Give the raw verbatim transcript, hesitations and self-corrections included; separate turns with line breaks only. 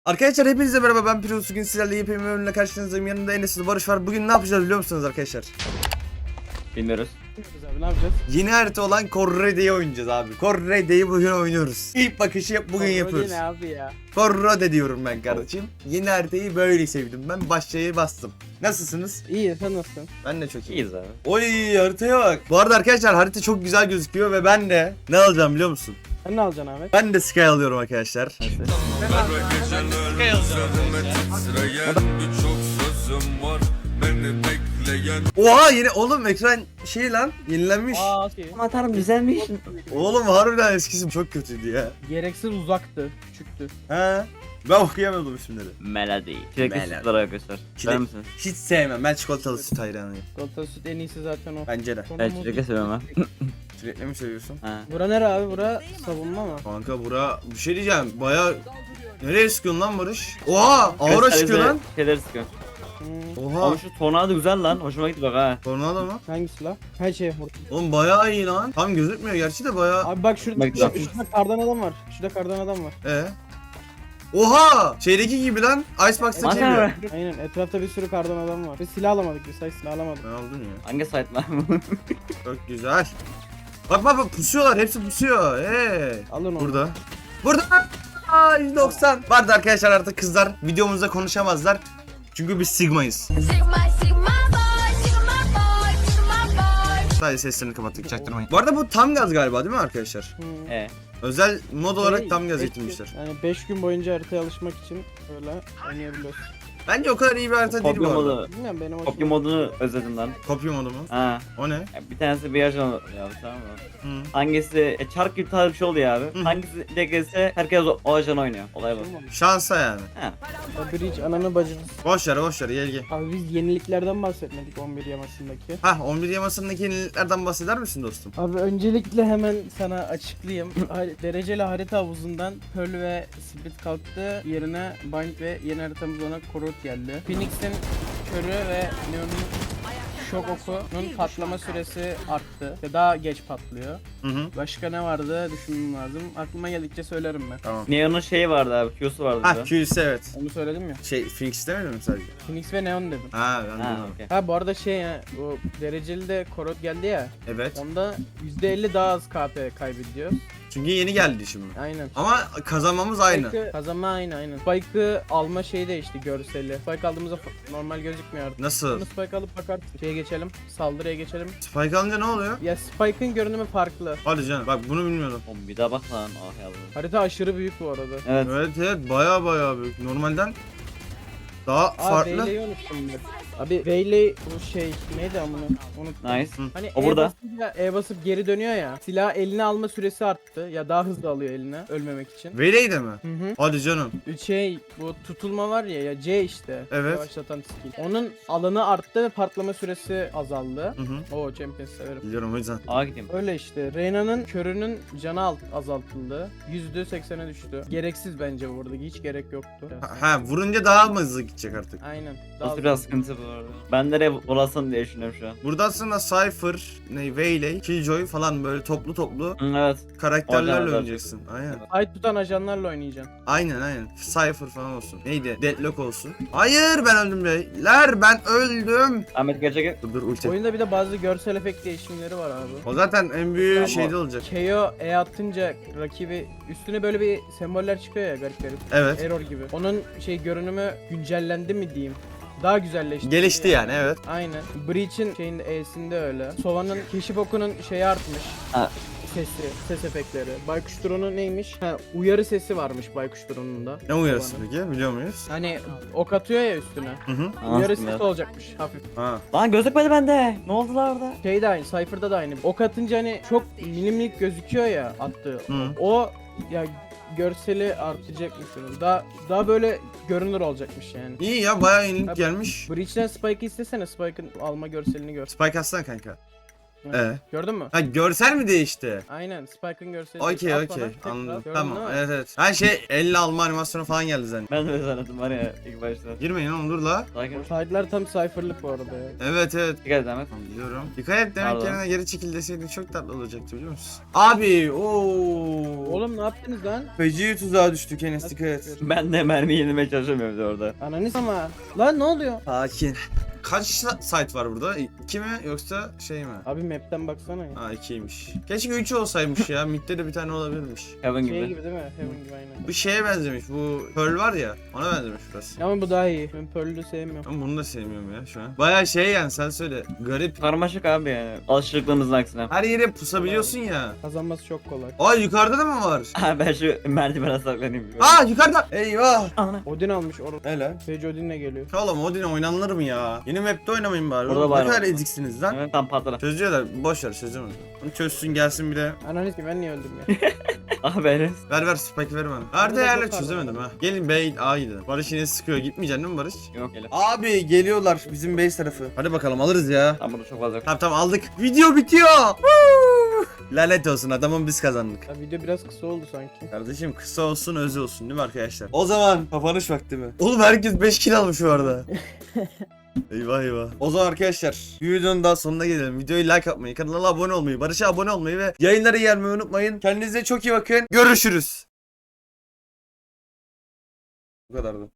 Arkadaşlar hepinize merhaba, ben Pirus. Bugün sizlerle yepyeni bir bölümle karşınızdayım. Yanımda Enes'le Barış var. Bugün ne yapacağız biliyor musunuz arkadaşlar?
Bilmiyoruz.
Bilmiyoruz abi, ne yapacağız?
Yeni harita olan Corrode'yi oynayacağız abi. Corrode'yi bugün oynuyoruz. İlk bakışı bugün
Kontrol
yapıyoruz.
ne abi ya?
Corrode diyorum ben kardeşim. Yeni haritayı böyle sevdim. Ben başlayı bastım. Nasılsınız?
İyi, sen nasılsın?
Ben de çok iyi.
İyiyiz abi.
Oy, haritaya bak. Bu arada arkadaşlar harita çok güzel gözüküyor ve ben de ne alacağım biliyor musun?
Sen ne alacaksın Ahmet?
Ben de Sky alıyorum arkadaşlar. Oha, yeni oğlum ekran şey lan yenilenmiş.
Aa, şey.
Atarım güzelmiş.
Oğlum harbiden eskisi çok kötüydü ya.
Gereksiz uzaktı, küçüktü.
He. Ben okuyamadım isimleri.
Melody. Çilekli
Melody.
sütler arkadaşlar.
Çilek-
Sever misiniz?
Hiç sevmem. Ben çikolatalı süt hayranıyım.
Çikolata süt en iyisi zaten o.
Bence de.
Sonra
Evet
muz-
çilekli seviyorum ben.
Sürekli mi seviyorsun?
Ha.
Bura nere abi? Bura savunma mı?
Kanka bura bir şey diyeceğim. Baya nereye sıkıyorsun lan Barış? Oha, aura çıkıyor lan.
Şeyler sıkıyor.
Hmm.
Oha.
Ama şu tornado güzel lan. Hoşuma gitti bak ha.
Tornado mu?
Hangisi la? Her şey vur.
Oğlum bayağı iyi lan. Tam gözükmüyor gerçi de bayağı.
Abi bak şurada,
Bak,
şurada,
bak.
şurada kardan adam var. Şurada kardan adam var.
Ee. Oha! Şeydeki gibi lan. Icebox'taki gibi.
Maşallah.
Aynen, etrafta bir sürü kardan adam var. Biz silah alamadık, biz say silah alamadık.
Ben aldım ya.
Hangi site lan?
Çok güzel. Bak bak bak, pusuyorlar. Hepsi pusuyor. Hey.
Alın onu.
Burada. Burada. Aa, yüz doksan. Vardı arkadaşlar, artık kızlar videomuzda konuşamazlar. Çünkü biz Sigma'yız.
Sigma, Sigma boy, Sigma boy, Sigma boy.
Sadece seslerini kapattık, çaktırmayın. Bu arada bu tam gaz galiba değil mi arkadaşlar?
Hmm.
He.
Özel mod olarak
Şey,
tam gaz
beş
getirmişler.
gün- Yani beş gün boyunca haritaya alışmak için böyle oynayabiliyorsun.
Bence o kadar iyi bir harita değil bu
Kopya
arada.
modu.
Bilmiyorum, benim hoşuma
Kopya modunu özledim lan.
Kopya modu mu?
Ha.
O ne?
Ya bir tanesi bir ajan ya tamam mı?
Hı.
Hangisi e, çark gibi tarz bir şey oluyor abi.
Hı.
Hangisi de gelse herkes o, o ajan oynuyor. Olay bu.
gitti.
Şansa yani.
Ha.
Bridge ananı bacını.
Boş ver boş ver, gel gel.
Abi biz yeniliklerden bahsetmedik on bir yamasındaki.
Hah, on bir yamasındaki yeniliklerden bahseder misin dostum?
Abi öncelikle hemen sana açıklayayım. Har- Dereceli harita havuzundan Pearl ve Split kalktı. Yerine Bind ve yeni haritamız ona Korot geldi. Phoenix'in körü ve Neon'un şok okunun patlama süresi arttı. Ve daha geç patlıyor.
Hı hı.
Başka ne vardı düşünmem lazım. Aklıma geldikçe söylerim ben.
Tamam.
Neon'un şeyi vardı abi. Q'su vardı.
Hah,
da.
Q S evet.
Onu söyledim ya.
Şey, Phoenix demedin mi sadece?
Phoenix ve Neon dedim.
Ha, ben
Ha
de.
okey.
Ha bu arada şey ya, bu dereceli de Korot geldi ya.
Evet.
Onda yüzde elli daha az K P kaybediyor.
Çünkü yeni geldi şimdi.
Aynen.
Ama kazanmamız aynı.
Spike'ı kazanma aynı aynen. Spike'ı alma şeyi değişti görseli. Spike aldığımızda f- normal gözükmüyor artık.
Nasıl?
Bunu Spike alıp bakarsın. Şeye geçelim. Saldırıya geçelim.
Spike alınca ne oluyor?
Ya Spike'ın görünümü farklı.
Hadi canım, bak bunu bilmiyordum.
Oğlum bir daha bak lan. Ah yavrum.
Harita aşırı büyük bu arada.
Evet.
Evet evet, baya baya büyük. Normalden daha
Aa
farklı.
Veyley'i unuttum ben. Abi Veyley bu şey neydi amına? Unuttum.
Nice.
Hani
O
E
burada.
basınca E basıp geri dönüyor ya. Silah eline alma süresi arttı. Ya daha hızlı alıyor eline ölmemek için.
Veley de mi?
Hı hı.
Hadi canım.
Şey bu tutulma var ya ya C işte.
Evet.
Yavaşlatan skill. Onun alanı arttı ve patlama süresi azaldı.
Hı hı.
Oo Champions severim.
Biliyorum o yüzden.
Aa gideyim.
Öyle işte. Reyna'nın körünün canı alt azaltıldı. yüzde seksene düştü. Gereksiz bence bu arada. Hiç gerek yoktu.
Ha, ha, vurunca daha mı hızlı gidecek artık?
Aynen.
Burası
hızlı.
biraz sıkıntı bu arada. Ben nereye bulasın diye düşünüyorum şu an.
Burada aslında Cypher, ne, Veyley, Killjoy falan böyle toplu toplu
Hı, evet.
karakterlerle
Ajanlar.
oynayacaksın. Aynen.
Ay tutan ajanlarla oynayacaksın.
Aynen aynen. Cypher falan olsun. Neydi? Deadlock olsun. Hayır, ben öldüm beyler. Ben öldüm.
Ahmet gerçek.
Dur dur, ulti.
Oyunda bir de bazı görsel efekt değişimleri var abi.
O zaten en büyüğü
Ama-
şeyde olacak.
K O E atınca rakibi üstüne böyle bir semboller çıkıyor ya garip garip.
Evet.
Error gibi. Onun şey görünümü güncellendi mi diyeyim. Daha güzelleşti.
Gelişti yani, evet.
Aynen. Breach'in şeyin E'sinde öyle. Sova'nın keşif okunun şeyi artmış.
Ha.
Sesi, ses efektleri. Baykuş drone'u neymiş? Ha, uyarı sesi varmış Baykuş drone'unda.
Ne uyarısı
Sova'nın.
peki? Biliyor muyuz?
Hani ok atıyor ya üstüne.
Hı hı.
Uyarı
Anasını
sesi
ya.
olacakmış hafif.
Ha.
Lan gözükmedi bende. Ne oldu lan orada?
Şey de aynı, Cypher'da da aynı. Ok atınca hani çok milimlik gözüküyor ya attığı.
Hı.
O ya görseli artacakmış onun. Daha daha böyle görünür olacakmış yani.
İyi ya, bayağı yenilik
Abi-
gelmiş.
Breach'ten Spike'ı istesene, Spike'ın alma görselini gör.
Spike atsana kanka. Ee?
Gördün mü?
Ha görsel mi değişti?
Aynen Spike'ın görseli.
Okey
At
okey
bana, tekrar.
anladım.
Gördün
Tamam
değil mi?
evet evet. Her şey elle alma animasyonu falan geldi zaten.
Ben de öyle zannettim var ya ilk başta.
Girmeyin oğlum dur la.
Sakin ol.
Side'lar tam cypher'lık bu arada ya.
Evet evet.
Dikkat et Ahmet.
Tamam, biliyorum. Dikkat et demek
Pardon.
yerine geri çekil deseydin çok tatlı olacaktı biliyor musun? Abi ooo.
Oğlum ne yaptınız lan?
Feci tuzağa düştük Enes dikkat et.
Ben de mermi yenilmeye çalışamıyorum bir de orada.
Ananız ama. Lan ne oluyor?
Sakin. Kaç site var burada? İki mi yoksa şey mi?
Abi map'ten baksana ya.
Ha ikiymiş. Keşke üç olsaymış ya. Mid'de de bir tane olabilirmiş.
Heaven
Şey
gibi.
gibi değil mi? Heaven gibi aynen.
Bu şeye benzemiş. Bu Pearl var ya. Ona benzemiş burası.
Ama bu daha iyi. Ben Pearl'ü sevmiyorum.
Ben bunu da sevmiyorum ya şu an. Baya şey yani sen söyle. Garip.
Karmaşık abi yani. Alışıklığımızın aksine.
Her yere pusabiliyorsun ya.
Kazanması çok kolay.
Ay yukarıda da mı var?
Ha ben şu merdivene saklanayım.
Aa yukarıda. Eyvah.
Ana.
Odin almış or.
Hele.
Sage Odin'le geliyor.
Oğlum Odin oynanır mı ya? Yeni map'te oynamayın bari.
Burada
Oğlum,
var
ne kadar
mı?
eziksiniz lan.
Evet tam patladı.
Çözüyorlar. Boş ver çözemez. Onu çözsün gelsin bir de.
Ananız ki ben niye öldüm ya?
Ah be Enes.
Ver ver spike ver bana.
Burada
Nerede yerle
çok var.
çözemedim ha. Gelin Bey A gidelim. Barış yine sıkıyor. Gitmeyeceksin değil mi Barış?
Yok gel.
Abi geliyorlar bizim base tarafı. Hadi bakalım alırız ya.
Tam burada çok fazla yok.
Tamam tamam aldık. Video bitiyor. Woo! Lanet olsun adamın biz kazandık.
Ya video biraz kısa oldu sanki.
Kardeşim kısa olsun öz olsun değil mi arkadaşlar? O zaman kapanış vakti mi? Oğlum herkes beş kill almış bu arada. Eyvah eyvah. O zaman arkadaşlar bir videonun daha sonuna gelelim. Videoyu like atmayı, kanala abone olmayı, Barış'a abone olmayı ve yayınlara gelmeyi unutmayın. Kendinize çok iyi bakın. Görüşürüz. Bu kadardı.